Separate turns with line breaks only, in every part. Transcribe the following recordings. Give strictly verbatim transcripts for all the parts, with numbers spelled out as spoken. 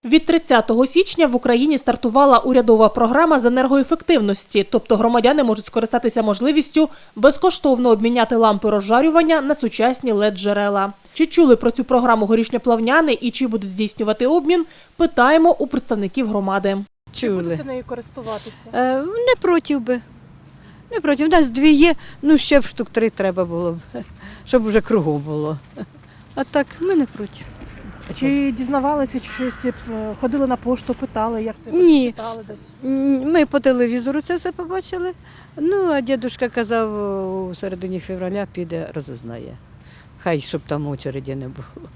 Від тридцятого січня в Україні стартувала урядова програма з енергоефективності, тобто громадяни можуть скористатися можливістю безкоштовно обміняти лампи розжарювання на сучасні лед-джерела. Чи чули про цю програму горішньоплавняни і чи будуть здійснювати обмін, питаємо у представників громади.
Чули.
Чи будете нею користуватися?
Е, не проти би. Не проти. У нас дві є, ну ще б штук три треба було б, щоб вже кругом було. А так, ми не проти.
Чи дізнавалися, чи щось ходили на пошту, питали, як це
Ні.
читали десь?
Ми по телевізору це все побачили. Ну, а дідусь казав, у середині февраля піде, розузнає. Хай, щоб там очереді не було.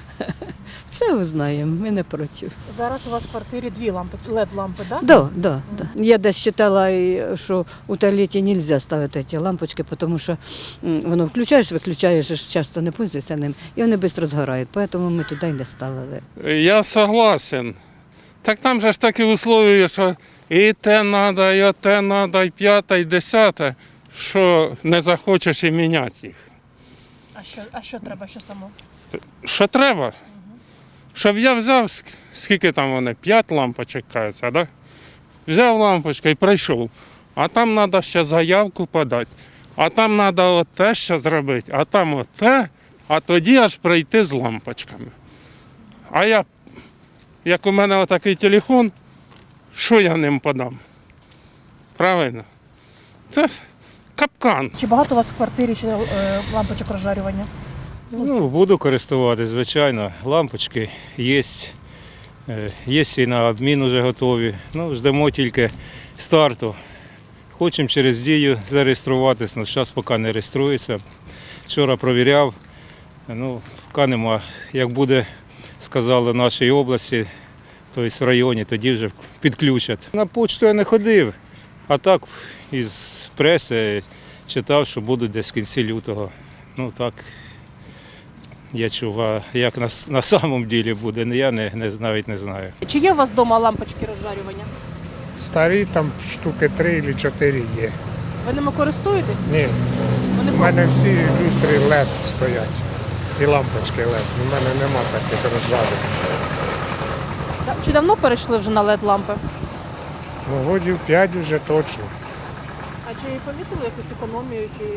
Все узнаємо, ми не проти.
Зараз у вас в квартирі дві лампи, лед-лампи, так?
Да, да, да. Я десь читала, що у туалеті не можна ставити ці лампочки, тому що воно включаєш, виключаєш, часто не пользуєшся ним, і вони швидко згорають, тому ми туди й не ставили.
Я согласен. Так там же ж такі условия, що і те треба, і те треба, і п'яте, і десяте, що не захочеш і міняти їх.
А що, а що треба, що само?
Що треба? Щоб я взяв, скільки там вони, п'ять лампочок, кажеться, да? Взяв лампочку і прийшов. А там треба ще заявку подати, а там треба оте ще зробити, а там оте, а тоді аж прийти з лампочками. А я, як у мене отакий телефон, що я ним подам? Правильно? Це капкан.
Чи багато у вас в квартирі ще е, лампочок розжарювання?
Ну, буду користуватися, звичайно. Лампочки є, є і на обмін вже готові. Ну, ждемо тільки старту. Хочемо через дію зареєструватися, але зараз поки не реєструється. Вчора перевіряв, ну, поки нема. Як буде, сказали, в нашій області, тобто в районі, тоді вже підключать. На почту я не ходив, а так із преси читав, що будуть десь в кінці лютого. Ну, так. Я чув, а як на, на самому ділі буде, я не, не, навіть не знаю.
Чи є у вас вдома лампочки розжарювання?
Старі там штуки три або чотири є.
Ви ними користуєтесь?
Ні,
Вони
у мене всі люстри лед стоять і лампочки лед. У мене нема таких розжарених.
Чи давно перейшли вже на лед-лампи?
Ну, годів п'ять вже точно.
А чи помітили якусь економію? Чи...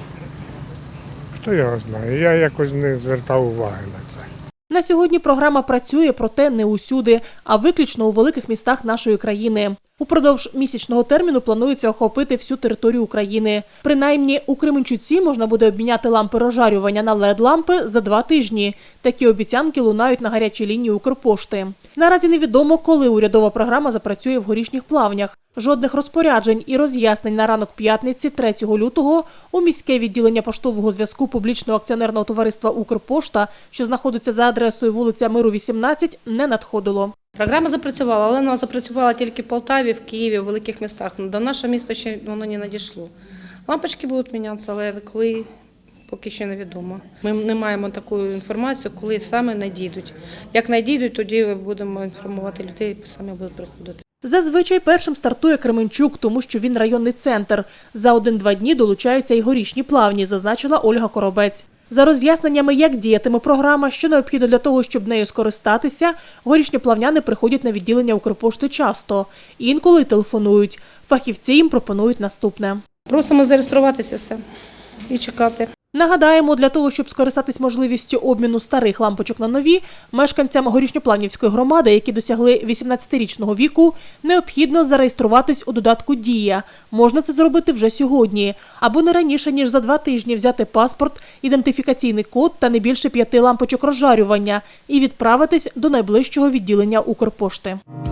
Хто його знає? Я якось не звертав уваги на це.
На сьогодні програма працює, проте не усюди, а виключно у великих містах нашої країни. Упродовж місячного терміну планується охопити всю територію України. Принаймні, у Кременчуці можна буде обміняти лампи розжарювання на лед-лампи за два тижні. Такі обіцянки лунають на гарячій лінії Укрпошти. Наразі невідомо, коли урядова програма запрацює в Горішніх Плавнях. Жодних розпоряджень і роз'яснень на ранок п'ятниці, третього лютого, у міське відділення поштового зв'язку публічного акціонерного товариства «Укрпошта», що знаходиться за адресою вулиця Миру, вісімнадцять, не надходило.
Програма запрацювала, але вона запрацювала тільки в Полтаві, в Києві, в великих містах. До нашого міста ще воно не надійшло. Лампочки будуть мінятися, але коли, поки що невідомо. Ми не маємо таку інформацію, коли саме надійдуть. Як надійдуть, тоді будемо інформувати людей, самі будуть приходити.
Зазвичай першим стартує Кременчук, тому що він районний центр. За один-два дні долучаються й Горішні Плавні, зазначила Ольга Коробець. За роз'ясненнями, як діятиме програма, що необхідно для того, щоб нею скористатися, горішньоплавняни приходять на відділення Укрпошти часто. Інколи телефонують. Фахівці їм пропонують наступне.
Просимо зареєструватися все і чекати.
Нагадаємо, для того, щоб скористатись можливістю обміну старих лампочок на нові, мешканцям Горішньоплавнівської громади, які досягли вісімнадцятирічного віку, необхідно зареєструватись у додатку «Дія». Можна це зробити вже сьогодні. Або не раніше, ніж за два тижні взяти паспорт, ідентифікаційний код та не більше п'яти лампочок розжарювання і відправитись до найближчого відділення Укрпошти.